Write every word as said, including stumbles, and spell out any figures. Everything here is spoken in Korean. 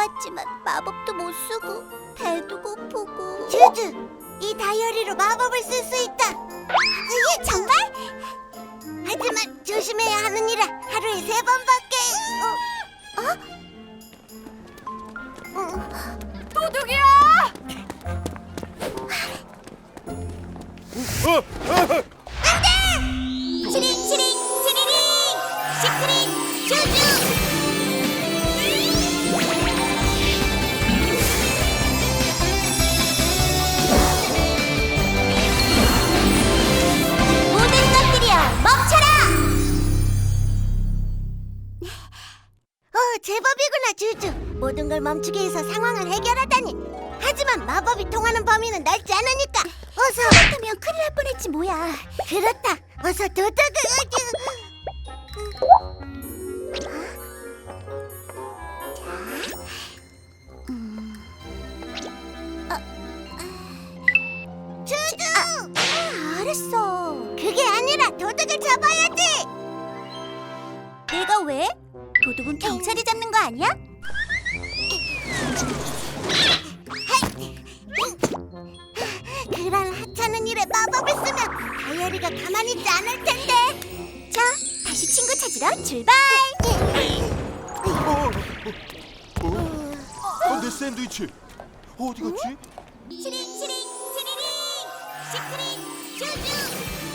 해봤지만 마법도 못 쓰고 배도 고프고. 주주, 이 다이어리로 마법을 쓸 수 있다. 예, 정말? 하지만 조심해야 하는 일이라 하루에 세 번밖에. 어? 어? 도둑이야! 치링 치링 치리링 시크릿 슈즈. 모든 것들이여 멈춰라! 어, 제법이구나, 주주. 모든 걸 멈추게 해서 상황을 해결하다니. 하지만 마법이 통하는 범위는 넓지 않으니까. 어서. 그렇다면 큰일 날 뻔했지 뭐야. 그렇다. 어서 도둑을. 주주! 아, 알았어. 그게 아니라 도둑을 잡아야지. 내가 왜? 도둑은 경찰이 잡는 거 아니야? 그런 하찮은 일에 마법을 쓰면 다이어리가 가만히 있지 않을 텐데. 자, 다시 친구 찾으러 출발! 어, 어, 어, 내 샌드위치 어디 갔지? 치링 치링 치리링 시크릿 슈즈.